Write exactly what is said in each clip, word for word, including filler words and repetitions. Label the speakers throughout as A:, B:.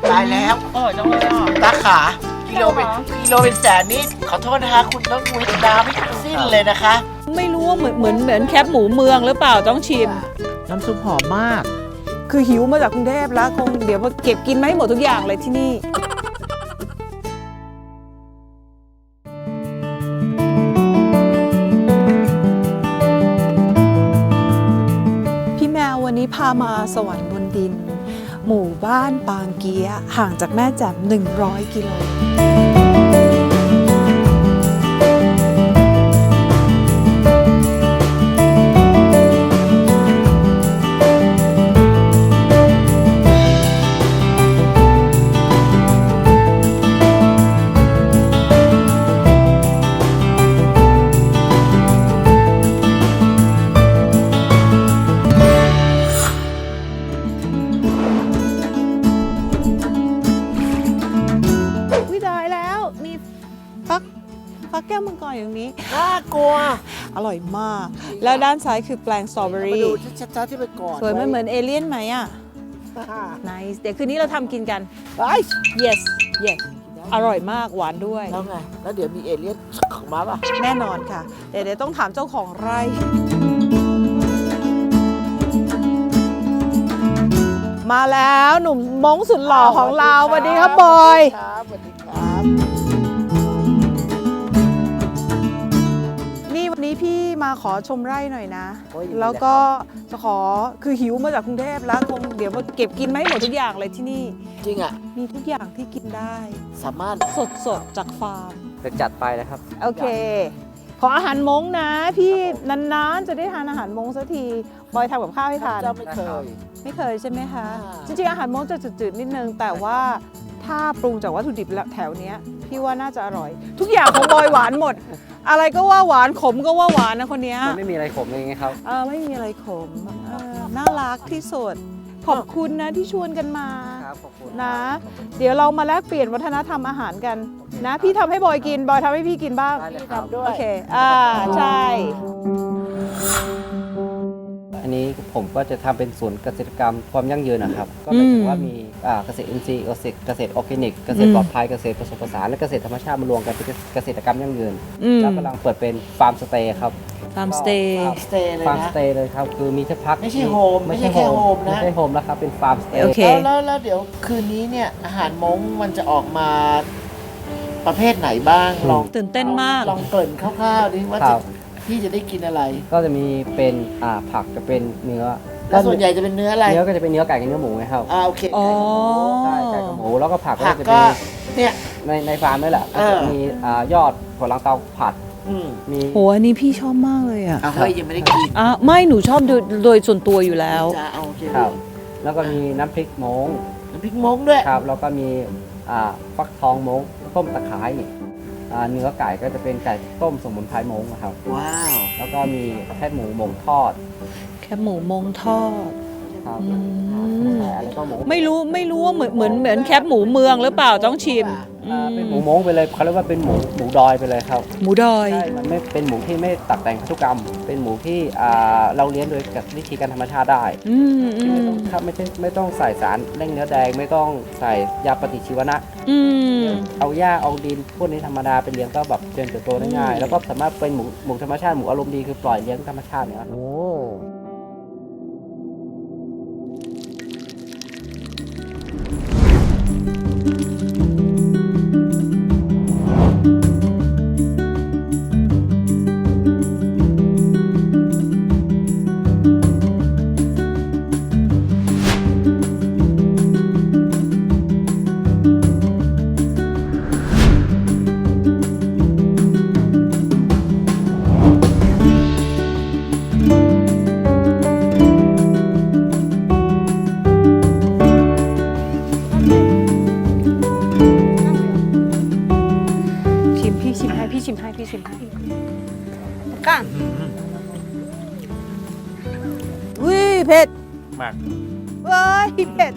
A: ตายแล้ว
B: อร่อยจังเลยอ่ะ
A: ตาขากิโลเป็นกิโลเป็นแสนนี่ขอโทษนะคะคุณต้องวิทย์น้ำไม่สิ้นเลยนะคะ
B: ไม่รู้ว่าเหมือนเหมือนเหมือนแคบหมูเมืองหรือเปล่าต้องชิม
A: น้ำซุปหอมมาก
B: คือหิวมาจากกรุงเทพแล้วคงเดี๋ยวมาเก็บกินไม่หมดทุกอย่างเลยที่นี่พี่แมววันนี้พามาสวรรค์บนดินหมู่บ้านปางเกียะห่างจากแม่แจ่มหนึ่งร้อยกิโลฟักแก้วมังกรอย่างนี้
A: น่ากลัว
B: อร่อยมาก แล้วด้านซ้ายคือแปลงสตรอเบอ
A: มา
B: รี่
A: ดูชัดๆที่ไปก่อน
B: สวยมันเหมือนเอเลี่ยนไหมอ่ะ nice เดี๋ยวคืนนี้เราทำกินกัน
A: ไอ้
B: yes yes อร่อยมากหวานด้วย
A: แล้วไงแล้วเดี๋ยวมีเอเลี่ยนของมาป่ะ
B: แน่นอนค่ะ เดี๋ยวเดี๋ยวต้องถามเจ้าของไร่ มาแล้วหนุ่มมงสุดหล่อของเราสวัสดีครับบอย
A: ครับสวัสดีครับ
B: นี่วันนี้พี่มาขอชมไร่หน่อยนะ
A: โอ้ย
B: แล้วก็จะขอคือหิวมาจากกรุงเทพแล้วคงเดี๋ยวมาเก็บกินไม่หมดทุกอย่างเลยที่นี่
A: จริงอ่ะ
B: มีทุกอย่างที่กินได้
A: สามารถ
B: สดสดๆจากฟาร์ม
C: จะจัดไปนะครับ
B: โอเค ขออาหารมงนะ พี่นานๆจะได้ทานอาหารมงสักทีบอยทำกับข้าวให้ทาน
A: เจ้าไม่เคย
B: ไม่เคยใช่ไหมคะ
A: อ่า
B: จริงๆอาหารมงจะจืดๆนิดนึง แต่ว่าถ้าปรุงจากวัตถุดิบแถวเนี้ยพี่ว่าน่าจะอร่อย ทุกอย่างของบอยหวานหมด อะไรก็ว่าหวานขมก็ว่าหวานนะคนเนี้ย
C: มันไม่มีอะไรขมเลยไงครับ
B: เออไม่มีอะไรขมเออน่ารักที่สุดขอบคุณนะที่ชวนกันมา
C: ครับ ขอบคุณ
B: นะ เดี๋ยวเรามาแลกเปลี่ยนวัฒนธรรมอาหารกันนะ พี่ทำให้บอยกินบอยทำให้พี่กินบ้าง
C: ได้เลยครับ
A: ด้ว
B: โอย เค อ่า ใช่
C: อันนี้ผมก็จะทำเป็นศูนย์เกษตรกรรมความยั่งยืนนะครับ ก็หมายถึงว่ามีอ่าเกษตรอินทรีย์เกษตรเกษตรออร์แกนิก เกษตรปลอดภัย เกษตรผสมผสาน และเกษตรธรรมชาติมารวมกันเป็นเกษตรกรรมยั่งยืน
B: อืม
C: แล้วกำลังเปิดเป็นฟาร์มสเตย์ครับ
B: ฟาร์มสเตย์
A: สเตย์เลย
C: ฟาร์มส
A: นะ
C: เตย์เลยครับ คือมีที่พัก
A: ไม่ใช่โฮม
C: ไม่ใช่
A: ไม่ใช่แค่โฮมนะ
C: ไม่ใช่โฮมแล้วครับ เป็นฟาร์มสเตย์
B: โอเค
A: แล้วแล้วแล้วเดี๋ยวคืนนี้เนี่ยอาหารม้งมันจะออกมาประเภทไหนบ้างลอง
B: ตื่นเต้นมาก
A: ลองเกริ่นคร่าวๆดิว่า
C: ค
A: จะ
C: รับ
A: พี่จะได้กินอะไร
C: ก็จะมีเป็นอ่าผักจะเป็นเนื้อ
A: แล้วส่วนใหญ่จะเป็นเนื้ออะไร
C: เนื้อก็จะเป็นเนื้อไก่กับเนื้อหมูไงครับ
A: อ่าโอเค
B: อ๋อ
C: ใช่ไก่กับหมูแล้วก็ผักก็
A: ผัก
C: จะ
A: ก็
C: เป็น
A: เนี่ย
C: ในในฟาร์มนี่แหละ
A: เอ
C: ก็
A: อ
C: จะมีอ่ายอดถั่วลังเตาผัด
A: อืม
C: มี
B: โหอันนี้พี่ชอบมากเลยอ่ะ
A: อ่ะเฮ้ยยังไม่ได้กิน
B: อ่ะไม่หนูชอบโดยโดยส่วนตัวอยู่แล้ว
A: จะเอาโอเค
C: ครับ แล้วก็มีน้ำพริกม้ง
A: น้ำพริกม้งด้วย
C: ครับ แล้วก็มีอ่าฟักทองม้งต้มตะไคร้อ่าเนื้อไก่ก็จะเป็นไก่ต้มสมุนไพรม้งนะครับ
A: ว้าว
C: แล้วก็มีแค่หมูหมงทอด
B: แค่หมูมงทอด
C: ครับ
B: อืม
C: แล้วก็หมู
B: ไม่รู้ไม่รู้ว่าเหมือนเหมือนเหมือนแคบหมูเมืองหรือเปล่าต้องชิม
C: อ่าเป็นหมูม้งไปเลยเขาเรียกว่าเป็นหมูหมูดอยไปเลยครับ
B: หมูดอย
C: ใช่มันไม่เป็นหมูที่ไม่ตัดแต่งพันธุกรรม เป็นหมูที่อ่าเราเลี้ยงโดยกับวิธีการธรรมชาติได้
B: อืมอื
C: ไม่
B: ม
C: ต้องครับไม่ใช่ไม่ต้องใส่สารเร่งเนื้อแดง ไม่ต้องใส่ยาปฏิชีวนะ
B: อืม
C: เอาหญ้าเอาดินพวกนี้ธรรมดาเป็นเลี้ยงก็แบบเจริญเติบโตได้ง่าย แล้วก็สามารถเป็นหมูหมูธรรมชาติหมูอารมณ์ดีคือปล่อยเลี้ยงธรรมชาติเนี่ยครับ
A: โอ้
B: ชิมพี่ชิมให้พี่ชิมให้พี่ชิมให้ก้างอุ้ยเผ็ด
A: มาก
B: เว้ยเผ็ด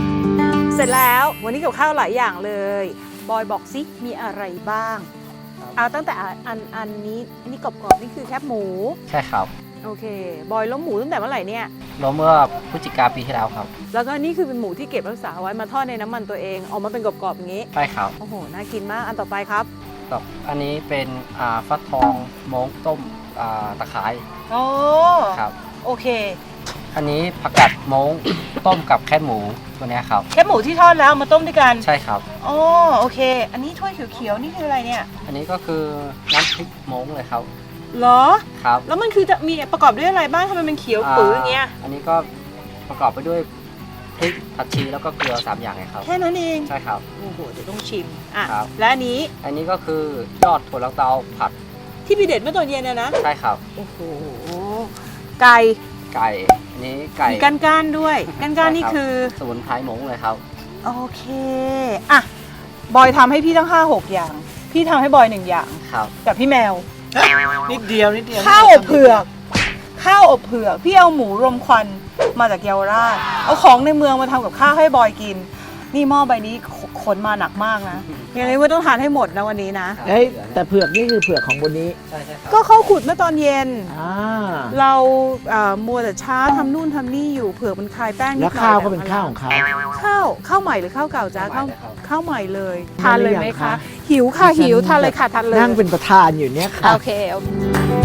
B: เสร็จแล้ววันนี้กับข้าวหลายอย่างเลย บอยบอกซิมีอะไรบ้างเอาตั้งแต่อันอันนี้อันนี้กรอบๆนี่คือแคบหมู
C: ใช่ครับ
B: โอเคบอยล้มหมูตั้งแต่เมื่อไหร่เนี่ย
C: เราเมื่อพฤศจิกาปีที่แล้วครับ
B: แล้วก็นี่คือเป็นหมูที่เก็บรักษาไว้มาทอดในน้ำมันตัวเองออกมาเป็นกรอบๆอย่างนี้
C: ใช่ครับ
B: โอ้โหน่ากินมากอันต่อไปครับ
C: กับอันนี้เป็นอ่าฟักทองโม้งต้มอ่าตะไคร้
B: โอ้
C: ครับ
B: โอเค
C: อันนี้ผักกาดโม้งต้มกับแคบหมูตัวเนี้ยครับ
B: แคบหมูที่ทอดแล้วมาต้มด้วยกัน
C: ใช่ครับ
B: โอ้โอเค อันนี้ถ้วยเขียวๆนี่คืออะไรเนี่ย
C: อันนี้ก็คือน้ำพริกโม้งเลยครับ
B: เหรอ
C: ครับ
B: แล้วมันคือจะมีประกอบด้วยอะไรบ้างทำไมมันเขียวปื้ออย่างเงี้ย
C: อันนี้ก็ประกอบไปด้วยพริกผัดชีแล้วก็เกลือสามอย่างเลยครับ
B: แค่นั้นเอง
C: ใช่ครับ
B: โอ้โหเดี๋ยวต้องชิมอ่ะ
C: ครับ
B: และอันนี้
C: อันนี้ก็คือยอดถั่วลันเตาผัด
B: ที่พี่เด็ดเมื่อตอนเย็นนะนะ
C: ใช่ครับ
B: โอ้โหไก่
C: ไก่อันนี้ไก่
B: มีก้านก้านๆด้วยก้านก้านๆนี่คือ
C: สมุนไพรโม้งเลยครับ
B: โอเคอ่ะบอยทำให้พี่ตั้งห้าหกอย่าง พี่ทำให้บอยหนึ่งอย่าง
C: ครับ
B: กับพี่แมว
A: นิดเดียวนิดเดียว
B: ข้าวอบเผือก ข้าวอบเผือก พี่เอาหมูรมควันมาจากเยาวราช เอาของในเมืองมาทำกับข้าวให้บอยกิน นี่หม้อใบนี้ขขนมาหนักมากนะยังไงว่าต้องทานให้หมดนะวันนี้นะ
A: เอ้ยแต่เผือกนี่คือเผือกของบนนี้
C: ใช่ใช่ครับ
B: ก็เขาขุดเมื่อตอนเย็น
A: อ่า
B: เราเอ่อมัวแต่ช้าทำนู่นทำนี่อยู่เผือกมันคลายแป้งนิดหน่
A: แล้
B: อ
A: วย ข้าวก็เป็นข้าวของเขา
B: ข้าวข้าวใหม่หรือข้าวเก่าจ้าข้าว
C: ข้าว
B: ข้าวใหม่เลย
A: ทา
B: ทาน น
A: หรื
B: เล
A: อย ยัง
B: ไหม
A: คะ
B: คะ หิวค่ะ
A: ดิฉัน
B: หิวทานเลยค่ะทานเลย
A: นั่งเป็นประธานอยู่เนี่ยค่ะ
B: โอเคโอเค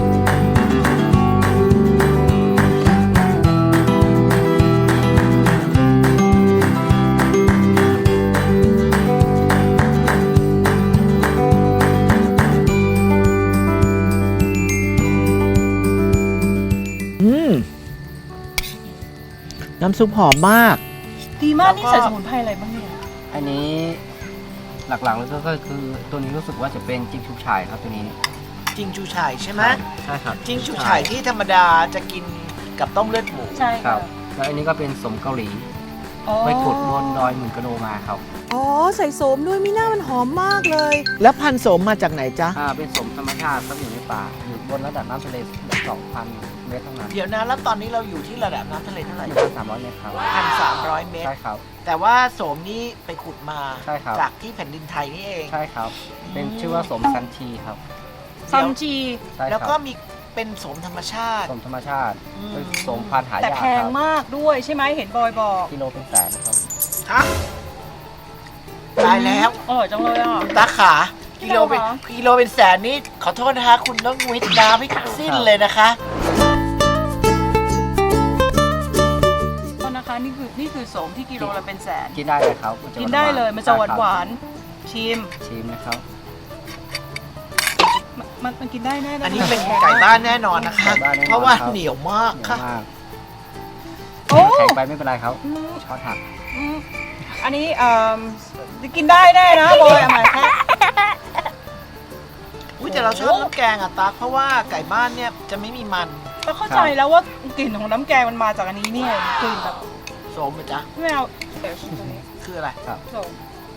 A: อืมน้ำซุปหอมมาก
B: ดีมากนี่ใส่สมุนไพรอะไรบ้างเนี่ย
C: อันนี้หลักๆแล้วก็คือตัวนี้รู้สึกว่าจะเป็นจิ้มชุบฉ่ายครับตัวนี้
A: จริงชูฉ่ายใช่ไหม
C: ใช่ครับ
A: จริงชูฉ่ายที่ธรรมดาจะกินกับต้มเลือดหมู
B: ใช่
C: ครั
B: ค่ะ
C: บแล้วอันนี้ก็เป็นสมเกาหลี
B: อ๋อ
C: ไปขุดบนดอยหมื่นกะโลมาครับ
B: อ๋อใส่โสมด้วยมีหน้ามันหอมมากเลย
A: แล้วพันธุ์โสมมาจากไหนจ๊ะ
C: อ่าเป็นสมธรรมชาติครับอยู่ในป่าอยู่บนระดับน้ำทะเลสองพันเมตรเท่านั้น
A: เดี๋ยวนะแล้วตอนนี้เราอยู่ที่ระดับน้ำทะเลเท่าไหร่
C: หนึ่งพันสามร้อยเมตรครับ
A: พันสามร้อยเมตร
C: ใช่ครับ
A: แต่ว่าโสมนี่ไปขุดมา
C: ใช่ครับ
A: จากที่แผ่นดินไทยนี่เอง
C: ใช่ครับ เป็นชื่อว่าสมซันทีครับ
B: ซัมจี
C: ใช่
A: แล้ว
C: ค
A: ก็
C: รับ
A: มีเป็นโสมธรรมชาติ
C: สมธรรมชาติ
A: อืม
C: เป็นสมพันธุ์หายาก
B: แต่แพง
C: ครับ
B: มากด้วยใช่ไหมเห็นบอยบอก
C: กิโลเป็นแสนครับ
A: ฮะตายแล้ว
B: อร่อยจังเลยอ่ะ
A: ตาขากิโลเป็น
B: เหรอ
A: กิโลเป็นแสนนี่ขอโทษนะคะคุณต้องวิทย์น้ำให้สิ้นเลยนะคะ
B: ก็นะคะนี่คือนี่คือโสมที่กิโลละเป็นแสน
C: กินได้เลยครับจะ
B: กินได้เลยมันจะหวานหวา
C: ใช่
B: น
C: ครับ
B: ๆชิม
C: ชิมนะครับ
B: มันมันมันกินได้แน่ๆ
A: อันนี้เป็นไก่บ้านแน่นอนนะคะ
C: ไก่บ้านแน่นอน
A: เพราะว่า
C: ครับ
A: เหนียวมาก
C: เหนียว
A: ค่ะ
C: มาก
B: โอ้
C: แข็งไปไม่เป็นไรครับ
B: อืม
C: ช้อนหัก
B: อืมอันนี้เอ่อกินได้แน่นะบอยเอามาแค่
A: อุ้ยแต่เราชอบน้ำแกงอ่ะตั๊กเพราะว่าไก่บ้านเนี่ยจะไม่มีมัน
B: เราเข้าใจแล้วว่ากลิ่นของน้ำแกงมันมาจากอันนี้เนี่ยกลิ่นแบบ
A: โสมอ่ะจ๊ะ
B: ไม่เอาเดี๋ยวชิมตรงนี้
A: คืออะไร
B: โสม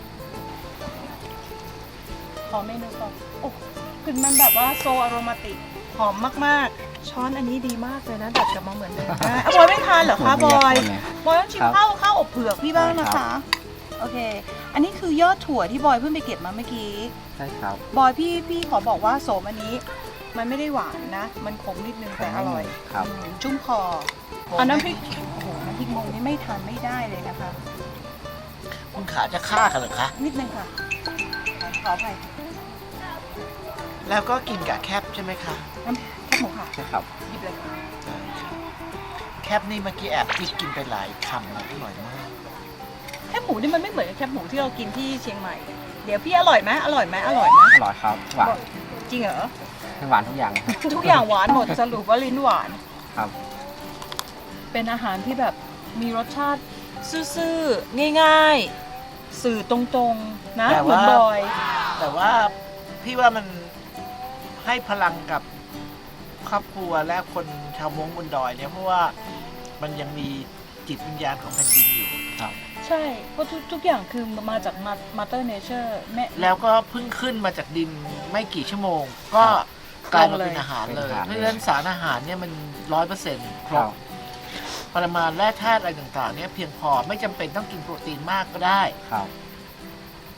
B: ขอเมนูก่อนโอ้กลิ่นมันแบบว่าโซอโรมาติกหอมมากๆ ช้อนอันนี้ดีมากเลยนะดัดกลับมาเหมือนเดิมนะอ่ะบอยไม่ทานเหรอคะบอย บอยต้องชิม
C: ครับ
B: ข้าวข้าวอบเผือกพี่บ้างนะ
C: ได้ครั
B: คะ
C: บ
B: โอเค อันนี้คือยอดถั่วที่บอยเพิ่งไปเก็บมาเมื่อกี้
C: ใช่ครับ
B: บอยพี่พี่ขอบอกว่าโสมอันนี้ มันไม่ได้หวานนะ มันขมนิดนึงแต่อร่อย
C: ครับ
B: อืมชุ่มคออันน้ำพริกโอ้โหน้ำพริกมงนี่ไม่ทานไม่ได้เลยนะคะ
A: คุณขาจะฆ่ากันเหรอคะ
B: นิดนึงค่ะขออภัย
A: แล้วก็กินกับแคบใช่ไหมคะ
B: น้ำแคบหมูค่ะ
C: ใช่ครับ
B: หยิบเลยค่ะ
A: ใช่ค่ะแคบนี่เมื่อกี้แอบจิกกินไปหลายคำนะอร่อยมาก
B: แคบหมูนี่มันไม่เหมือนกับแคบหมูที่เรากินที่เชียงใหม่ เดี๋ยวพี่อร่อยไหมอร่อยไหมอร่อยไหม
C: อร่อยครับหวาน
B: จริงเหรอ
C: หวานทุกอย่างครับ
B: ทุกอย่างหวานหมดสรุปว่าลิ้นหวาน
C: ครับ
B: เป็นอาหารที่แบบมีรสชาติซื่อๆ ง่ายๆ สื่อตรงๆ นะ
A: แต่
B: เหมือ
A: ว่า
B: นบอย
A: แต่ว่าพี่ว่ามันให้พลังกับครอบครัวและคนชาวม้งบนดอยเนี่ยเพราะว่ามันยังมีจิตวิญญาณของแผ่นดินอยู่
C: ครับ
B: ใช่เพราะทุกทุกอย่างคือมาจากมาเตอร์เนเจอร์แม่
A: แล้วก็เพิ่งขึ้นมาจากดินไม่กี่ชั่วโมง ก็กลายมาเป็นอาหารเลย เพราะฉะนั้นสารอาหารเนี่ยมันร้อยเปอร์เซ็นต์คร
C: ครับ บ
A: ปริมาณแร่ธาตุอะไรต่างๆเนี่ยเพียงพอไม่จำเป็นต้องกินโปรตีนมากก็ได้
C: ครับ
B: ใช่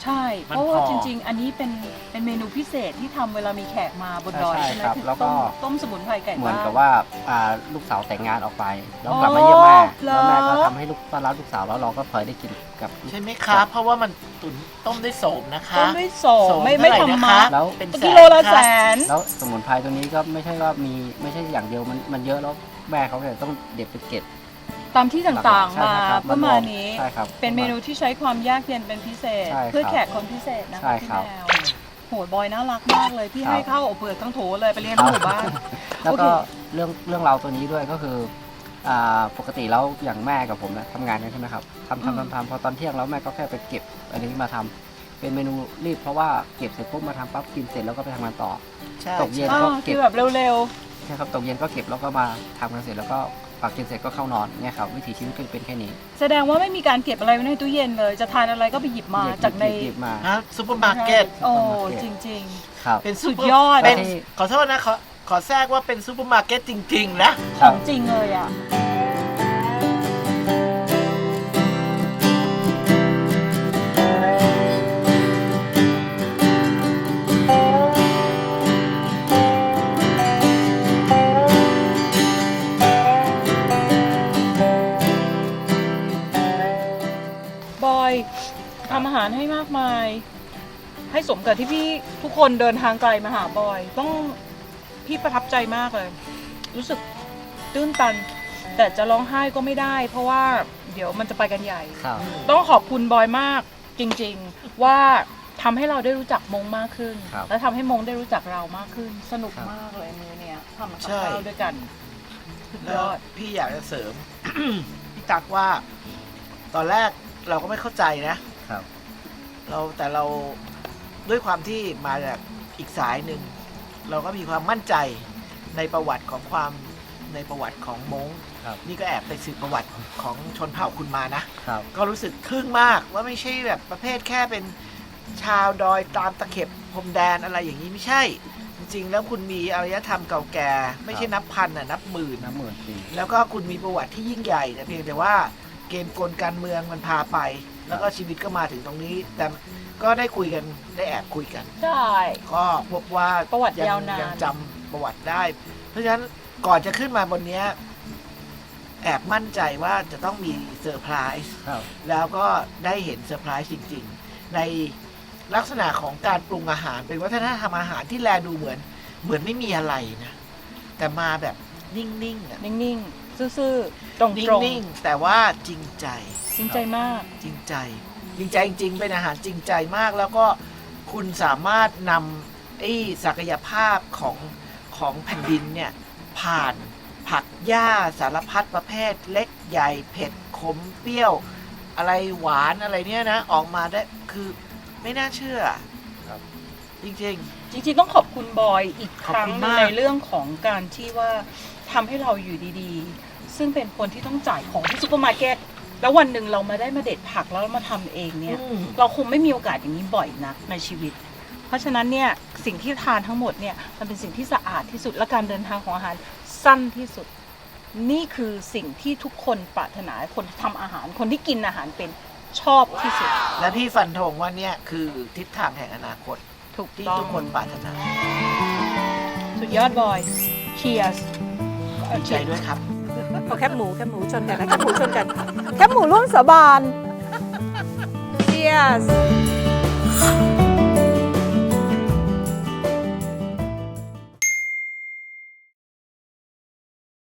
B: ใช่
A: มัน
B: เพราะว่า
A: พอ
B: จริง ๆ อันนี้เป็นเป็นเมนูพิเศษที่ทำเวลามีแขกมาบนดอย
C: ใช่
B: ใช่ไหม
C: ครับ
B: คือ
C: แล้วก็
B: ต้มต้มสมุนไพรไก่
C: เหมือน
B: บ้าน
C: กับว่าอ่าลูกสาวแต่งงานออกไป แล้ว
B: อ๋อ
C: กลับมาเยี่ยมแม่
B: เหรอ
C: แล้วแม่ก็ทำให้ลูกต้อนรับลูกสาวแล้วเราก็พลอยได้กินกับ
A: ใช่ไหมคะเพราะว่ามันตุ๋นต้มด้วยโสมนะคะ
B: ต้มด้วยโสม
A: โสม
B: ไม่ไม่
A: เท่าไหร่
B: ทำ
A: นะ
B: มา
A: คะ
C: แล้ว
A: เป็น
B: กิโลละแสน
C: แล้วสมุนไพรตัวนี้ก็ไม่ใช่ว่ามีไม่ใช่อย่างเดียวมันมันเยอะแล้วแม่เขาเนี่ยต้องเด็ดไปเก็บ
B: ตามที่ต่างๆ
C: ใช่
B: มา
C: ครับ
B: ประมาณนี้
C: ใช่ครับ
B: เป็นเมนูที่ใช้ความยากเย็นเป็นพิเศษ
C: ใช่ครับ
B: เพื่อแขกคนพิเศษนะ
C: ใช่
B: คะพี่
C: ครับ
B: แมวโหยบอยน่ารักมากเลยพี่
C: ครับ
B: ให้ข้าวอบเปลือกทั้งโถเลยไปเลี้ยงที่หมู่บ้าน
C: แล้ว
B: โอเค
C: ก็เรื่องเรื่องราวตัวนี้ด้วยก็คืออ่าปกติแล้วอย่างแม่กับผมนะทำงานกันใช่ไหมครับทำ
B: อืม
C: ทำทำทำพอตอนเที่ยงแล้วแม่ก็แค่ไปเก็บอันนี้มาทำเป็นเมนูรีบเพราะว่าเก็บเสร็จปุ๊บมาทำปั๊บกินเสร็จแล้วก็ไปทำงานต่อ
A: ใช่
C: ตกเย็น
B: อ่า
C: ก็เก็
B: คื
C: บ
B: อแบบเร็ว
C: ใช่ครับตกเย็นก็เก็บแล้วก็มาทำกันเสร็จแล้วก็ปักกินเสร็จก็เข้านอนเนี่ยครับวิถีชีวิตก็จะเป็นแค่นี้
B: ๆ แสดงว่าไม่มีการเก็บอะไรไว้ในตู้เย็นเลย จะทานอะไรก็ไปหยิบมา
C: หยิบ
B: จากใน
C: หยิบมา
A: ฮะซูเปอร์มาร์เก็ต
B: โอ้
C: ซูเปอร์มาร์เก็ต
B: จริง
C: ครับ
A: เป็น
B: สุ
A: ซู
B: ด
A: เปอร์
B: ยอด
A: เป็น
C: ที่
A: ขอโทษนะขอขอแทรกว่าเป็นซูเปอร์มาร์เก็ตจริง ๆ นะ
B: ๆ ของจริงเลยอ่ะ บอยทำอาหารให้มากมาย ให้สมกับที่พี่ทุกคนเดินทางไกลมาหาบอย ต้องพี่ประทับใจมากเลย รู้สึกตื้นตัน แต่จะร้องไห้ก็ไม่ได้ เพราะว่าเดี๋ยวมันจะไปกันใหญ่
C: ครับ
B: ต้องขอบคุณบอยมากจริงๆ ว่าทำให้เราได้รู้จักมงมากขึ้น
C: ครับ
B: และทำให้มงได้รู้จักเรามากขึ้น สนุก
C: ครับ
B: มากเลยมือเนี่ยทำกับ
A: ใช่
B: ข้าวด้วยกันสุด
A: แล้
B: ยว อด
A: พี่อยากจะเสริม พี่ตักว่า ตอนแรกเราก็ไม่เข้าใจนะ
C: ครับ
A: เราแต่เราด้วยความที่มาจากอีกสายหนึ่ง เราก็มีความมั่นใจในประวัติของความในประวัติของม้ง
C: ครับ
A: นี่ก็แอบไปสืบประวัติของชนเผ่าคุณมานะ
C: ครับ
A: ก็รู้สึกทึ่งมากว่าไม่ใช่แบบประเภทแค่เป็นชาวดอยตามตะเข็บพรมแดนอะไรอย่างนี้ไม่ใช่ จริงๆ แล้วคุณมีอารยธรรมเก่าแก่ ไม่ใช่นับพันน่ะนับหมื่น
C: น้ำหมื่นปี
A: แล้วก็คุณมีประวัติที่ยิ่งใหญ่แต่เพียงแต่ว่าเกมกลการเมืองมันพาไป แล้วก็ชีวิตก็มาถึงตรงนี้ แต่ก็ได้คุยกันได้แอบคุยกัน
B: ได้
A: ก็พบว่า
B: ประวัติ
A: ง
B: ยาวนาน
A: ยังจำประวัติได้ เพราะฉะนั้นก่อนจะขึ้นมาบนเนี้ยแอบมั่นใจว่าจะต้องมีเซอร์ไพรส์
C: ครับ
A: แล้วก็ได้เห็นเซอร์ไพรส์จริงๆ ในลักษณะของการปรุงอาหารเป็นวัฒนธรรมอาหารที่แลดูเหมือน เหมือนไม่มีอะไรนะ แต่มาแบบนิ่งๆอะ
B: นิ่งๆ ซื่อๆ ตรง
A: นิ่งๆ แต่ว่าจริงใจ
B: ๆ จริงใจมาก
A: จริงใจ จริงใจจริงๆ เป็นอาหารจริงใจมาก แล้วก็คุณสามารถนำไอ้ศักยภาพของของแผ่นดินเนี่ย ผ่านผักหญ้าสารพัดประเภท เล็กใหญ่เผ็ดขมเปรี้ยว อะไรหวานอะไรเนี่ยนะ ออกมาได้คือไม่น่าเชื่อ
C: ครับ
A: จริง
B: จริงๆ ต้องขอบคุณบอยอีกครั้ง
A: ขอบคุณ
B: หนึ่ง
A: มาก
B: ในเรื่องของการที่ว่าทำให้เราอยู่ดีๆ ซึ่งเป็นคนที่ต้องจ่ายของที่ซูเปอร์มาร์เก็ต แล้ววันหนึ่งเรามาได้มาเด็ดผักแล้วเรามาทำเอง
A: ๆ
B: เนี่ย
A: อืม
B: เราคงไม่มีโอกาสอย่างนี้บ่อยนักในชีวิต เพราะฉะนั้นเนี่ยสิ่งที่ทานทั้งหมดเนี่ยมันเป็นสิ่งที่สะอาดที่สุดและการเดินทางของอาหารสั้นที่สุด นี่คือสิ่งที่ทุกคนปรารถนาคนที่ทำอาหาร คนที่กินอาหารเป็นชอบที่สุด
A: และพี่ฟันธงว่าเนี่ยคือทิศทางแห่งอนาคต
B: ถูก
A: ที่
B: ต้อง
A: ทุกคนปรารถนา
B: สุดยอดบอย Cheers
A: ดีใจด้วยครับ
B: เอาแคบหมูแคบหมูชนกันนะแคบหมูชนกัน แคบหมูร่วมสาบาน Cheers